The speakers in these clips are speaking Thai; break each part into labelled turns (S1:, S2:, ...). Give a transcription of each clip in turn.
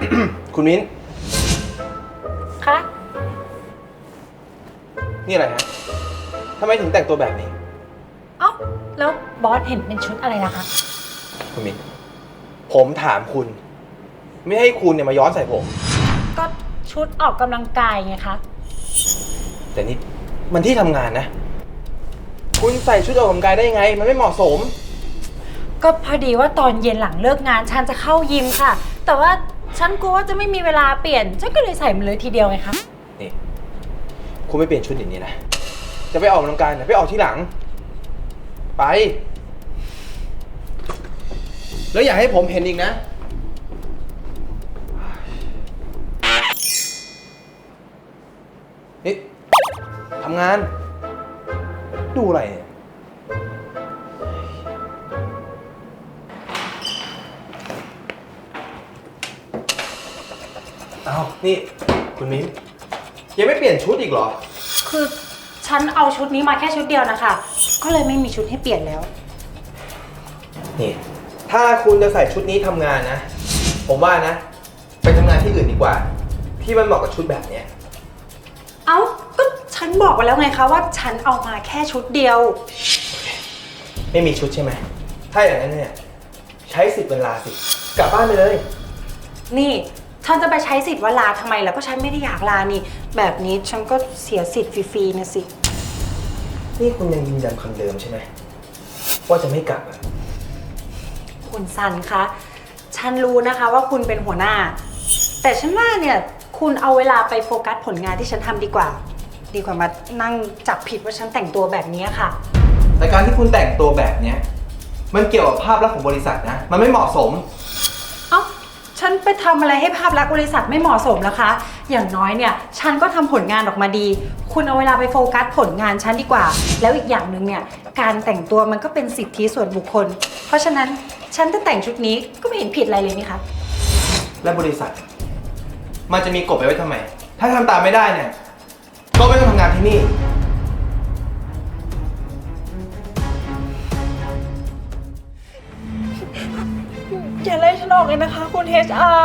S1: คุณมิ้น
S2: คะ
S1: นี่อะไรฮะทำไมถึงแต่งตัวแบบนี้
S2: เอ้าแล้วบอสเห็นเป็นชุดอะไรล่ะคะ
S1: คุณมิ้น ผมถามคุณ ไม่ให้คุณเนี่ยมาย้อนใส่ผม
S2: ก็ชุดออกกำลังกายไงคะ
S1: แต่นี่มันที่ทำงานนะ คุณใส่ชุดออกกำลังกายได้ยังไง มันไม่เหมาะสม
S2: ก็พอดีว่าตอนเย็นหลังเลิกงานฉันจะเข้ายิมค่ะ แต่ว่าฉันกลัวว่าจะไม่มีเวลาเปลี่ยน ฉันก็เลยใส่มันเลยทีเดียวไงคะ
S1: นี่ คุณไม่เปลี่ยนชุดอย่างนี้นะ จะไปออกกำลังกายนะไปออกที่หลัง ไป แล้วอย่าให้ผมเห็นอีกนะ นี่ทำงาน ดูอะไรเนี่ย เอานี่คุณมิ้นยังไม่เปลี่ยนชุดอีกเหรอ
S2: คือฉันเอาชุดนี้มาแค่ชุดเดียวนะคะ ก็เลยไม่มีชุดให้เปลี่ยนแล้ว
S1: นี่ ถ้าคุณจะใส่ชุดนี้ทำงานนะ ผมว่านะ ไปทำงานที่อื่นดีกว่า ที่มันเหมาะกับชุดแบบเนี้ย
S2: เอ้า ก็ฉันบอกไปแล้วไงคะว่าฉันเอามาแค่ชุดเดียว
S1: ไม่มีชุดใช่ไหม ถ้าอย่างนั้นเนี่ย ใช้สิทธิ์เวลาสิ กลับบ้านไปเลย
S2: นี่ฉันจะไปใช้สิทธิ์ว่าลาทำไมแล้วก็ฉันไม่ได้อยากลานี่ แบบนี้ฉันก็เสียสิทธิ์ฟรีๆนะสิ
S1: นี่คุณยังยืนยันคำเดิมใช่ไหม ว่าจะไม่กลับอ่ะ
S2: คุณซันคะ ฉันรู้นะคะว่าคุณเป็นหัวหน้า แต่ฉันว่าเนี่ยคุณเอาเวลาไปโฟกัสผลงานที่ฉันทำดีกว่า ดีกว่ามานั่งจับผิดว่าฉันแต่งตัวแบบนี้ค่ะ
S1: แต่การที่คุณแต่งตัวแบบเนี้ยมันเกี่ยวกับภาพลักษณ์ของบริษัทนะ มันไม่เหมาะสม
S2: เอ้า ฉันไปทำอะไรให้ภาพลักษณ์บริษัทไม่เหมาะสมแล้วคะ อย่างน้อยเนี่ยฉันก็ทำผลงานออกมาดี คุณเอาเวลาไปโฟกัสผลงานฉันดีกว่า แล้วอีกอย่างหนึ่งเนี่ยการแต่งตัวมันก็เป็นสิทธิส่วนบุคคล เพราะฉะนั้นฉันจะแต่งชุดนี้ก็ไม่เห็นผิดอะไรเลยนี่คะ
S1: และบริษัท มันจะมีกฎไปไว้ทำไม ถ้าทำตามไม่ได้เนี่ย ก็ไม่ต้องทำงานที่นี่
S2: อย่าไล่ฉันออกเลยนะคะคุณ HR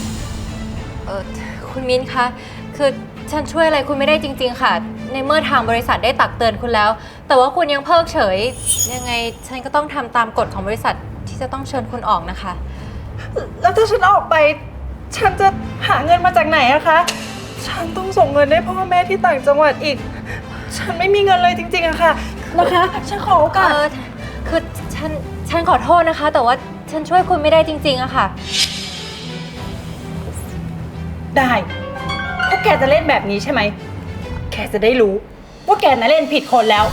S3: คุณมิ้นคะ คือฉันช่วยอะไรคุณไม่ได้จริงๆค่ะ ในเมื่อทางบริษัทได้ตักเตือนคุณแล้ว แต่ว่าคุณยังเพิกเฉย ยังไงฉันก็ต้องทำตามกฎของบริษัทที่จะต้องเชิญคุณออกนะคะ
S2: แล้วถ้าฉันออกไป ฉันจะหาเงินมาจากไหนอะคะ ฉันต้องส่งเงินให้พ่อแม่ที่ต่างจังหวัดอีก ฉันไม่มีเงินเลยจริงๆอะค่ะ นะคะ ฉันขอโอกาส
S3: คือฉันขอโทษนะคะ แต่ว่าฉันช่วยคุณไม่ได้จริงๆอะค่ะ
S2: ได้พวกแกจะเล่นแบบนี้ใช่ไหม แกจะได้รู้ว่าแกน่ะเล่นผิดคนแล้ว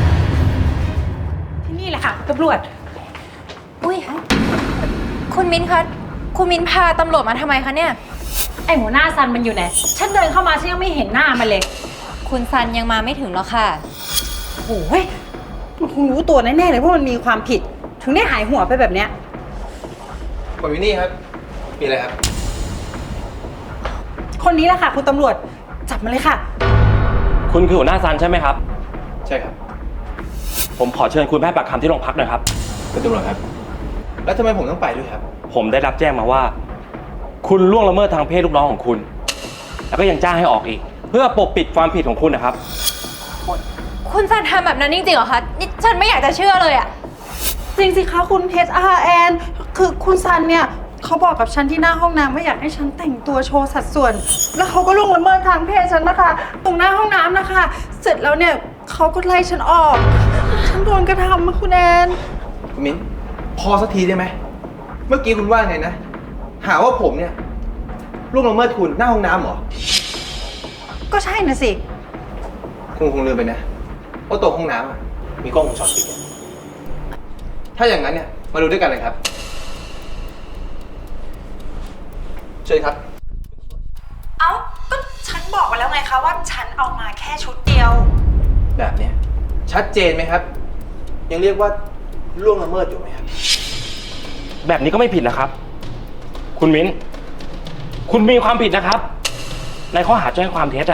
S2: ที่นี่แหละค่ะตำรวจ
S3: อุ้ยคุณมิ้นคะ คุณมิ้นพาตำรวจมาทำไมคะเนี่ย
S2: ไอหัวหน้าซันมันอยู่ไหน ฉันเดินเข้ามาฉันยังไม่เห็นหน้ามันเลย
S3: คุณซันยังมาไม่ถึงหรอกค่ะ
S2: โอ้ยมันคงรู้ตัวแน่ๆเลยว่ามันมีความผิด ถึงได้หายหัวไปแบบเนี้ย
S1: คุณวินนี่ครับ มีอะไรครับ
S2: คนนี้แหละค่ะคุณตำรวจ จับมาเลยค่ะ
S4: คุณคือหัวหน้าซันใช่ไหมครับ
S1: ใช่ครับ
S4: ผมขอเชิญคุณไปให้ปากคำที่โรงพักหน่อยครับ
S1: คุณตำรวจครับ แล้วทำไมผมต้องไปด้วยครับ
S4: ผมได้รับแจ้งมาว่า คุณล่วงละเมิดทางเพศลูกน้องของคุณ แล้วก็ยังจ้างให้ออกอีก เพื่อปกปิดความผิดของคุณนะครับ
S3: คุณซันทำแบบนั้นจริงๆเหรอคะ นี่ฉันไม่อยากจะเชื่อเลยอะ
S2: จริงสิคะคุณ HRN คือคุณซันเนี่ยเขาบอกกับฉันที่หน้าห้องน้ำว่าอยากให้ฉันแต่งตัวโชว์สัดส่วน แล้วเขาก็ล่วงละเมิดทางเพศฉันนะคะ ตรงหน้าห้องน้ำนะคะ เสร็จแล้วเนี่ยเขาก็ไล่ฉันออก ฉันโดนกระทำมาคุณแอน
S1: คุณมิ้น พอสักทีได้ไหม เมื่อกี้คุณว่าไงนะ หาว่าผมเนี่ยล่วงละเมิดคุณหน้าห้องน้ำเหรอ
S2: ก็ใช่นะสิ
S1: คุณคงลืมไปนะว่าตรงห้องน้ำอะมีกล้องวงจรปิดอะถ้าอย่างนั้นเนี่ยมาดูด้วยกันเลยครับ เชิญครับ
S2: เอ้าก็ฉันบอกไปแล้วไงคะว่าฉันเอามาแค่ชุดเดียว
S1: แบบเนี้ยชัดเจนไหมครับ ยังเรียกว่าล่วงละเมิดอยู่ไหมครับ
S4: แบบนี้ก็ไม่ผิดนะครับ คุณมิ้น คุณมีความผิดนะครับ ในข้อหาแจ้งความเท็จอะ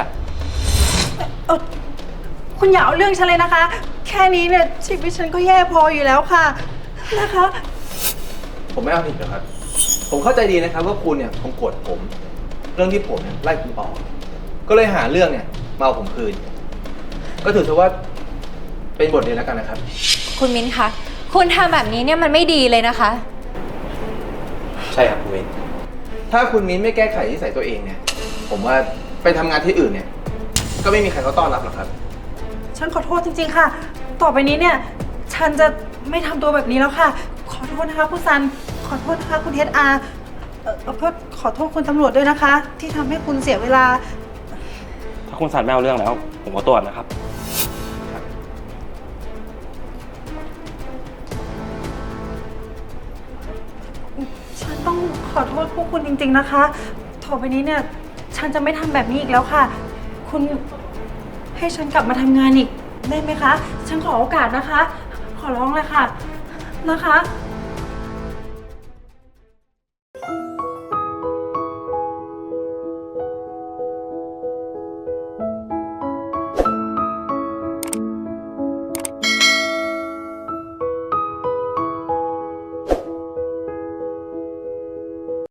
S2: คุณอย่าเอาเรื่องฉันเลยนะคะ แค่นี้เนี่ยชีวิตฉันก็แย่พออยู่แล้วค่ะ นะคะ
S1: ผมไม่เอาผิดหรอกครับผมเข้าใจดีนะครับว่าคุณเนี่ยคงโกรธผม เรื่องที่ผมเนี่ยไล่คุณออก ก็เลยหาเรื่องเนี่ยมาเอาผมคืน ก็ถือซะว่าเป็นบทเรียนแล้วกันนะครับ
S3: คุณมิ้นคะ คุณทำแบบนี้เนี่ยมันไม่ดีเลยนะคะ
S1: ใช่ครับคุณมิ้นถ้าคุณมิ้นไม่แก้ไขนิสัยตัวเองเนี่ย ผมว่าไปทำงานที่อื่นเนี่ย ก็ไม่มีใครเขาต้อนรับหรอกครับ
S2: ฉันขอโทษจริงๆค่ะ ต่อไปนี้เนี่ย ฉันจะไม่ทำตัวแบบนี้แล้วค่ะ ขอโทษนะคะคุณซัน ขอโทษนะคะคุณHR ก็ขอโทษคุณตำรวจด้วยนะคะ ที่ทำให้คุณเสียเวลา
S4: ถ้าคุณสันไม่เอาเรื่องแล้ว ผมขอตัวก่อนนะครับ
S2: ฉันต้องขอโทษพวกคุณจริงๆนะคะ ต่อไปนี้เนี่ย ฉันจะไม่ทำแบบนี้อีกแล้วค่ะ คุณให้ฉันกลับมาทำงานอีกได้ไหมคะ ฉันขอโอกาสนะคะ ขอร้องเลยค่ะ นะคะ